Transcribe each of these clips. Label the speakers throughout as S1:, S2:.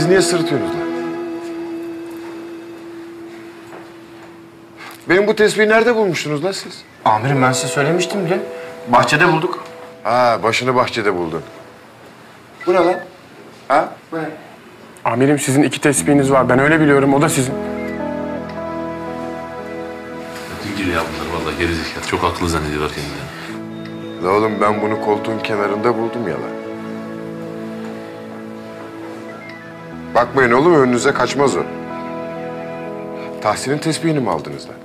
S1: niye sırıtıyorsunuz lan? Benim bu tespihi nerede bulmuştunuz lan siz?
S2: Amirim ben size söylemiştim bile. Bahçede bulduk.
S1: Ha, başını bahçede buldun. Bu ne lan? Ha? Bu ne?
S3: Amirim sizin 2 tespihiniz var. Ben öyle biliyorum. O da sizin.
S4: Dingil ya bunlar vallahi gerizekalı. Çok akıllı zannediyorlar kendilerini.
S1: La oğlum ben bunu koltuğun kenarında buldum ya lan. Bakmayın oğlum önünüze kaçmaz o. Tahsin'in tespihini mi aldınız lan?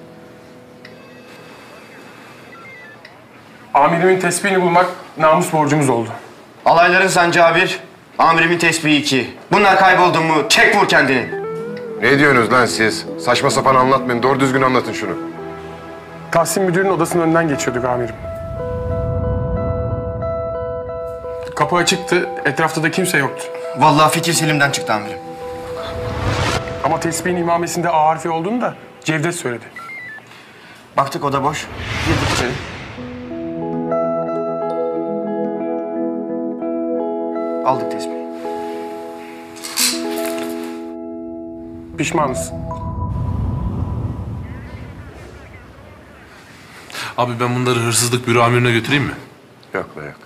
S3: Amirimin tespihini bulmak namus borcumuz oldu.
S2: Alayların sancağı 1, amirimin tespihi 2. Bunlar kayboldu mu çek vur kendini.
S1: Ne diyorsunuz lan siz? Saçma sapan anlatmayın. Doğru düzgün anlatın şunu.
S3: Tahsin müdürün odasının önünden geçiyorduk amirim. Kapı açıktı. Etrafta da kimse yoktu.
S2: Vallahi fikir Selim'den çıktı amirim.
S3: Ama tespihin imamesinde A harfi olduğunu da Cevdet söyledi.
S2: Baktık oda boş. Girdik içeri. Aldık tespihi.
S3: Pişmanız.
S4: Abi ben bunları hırsızlık büro amirine götüreyim mi?
S1: Yok la yok.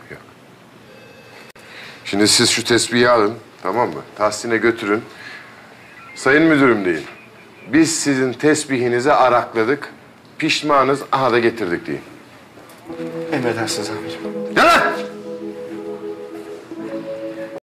S1: Şimdi siz şu tespihi alın, tamam mı? Tahsin'e götürün. Sayın müdürüm deyin. Biz sizin tesbihinizi arakladık. Pişmanız, aha da getirdik deyin.
S2: Emredersiniz amirim.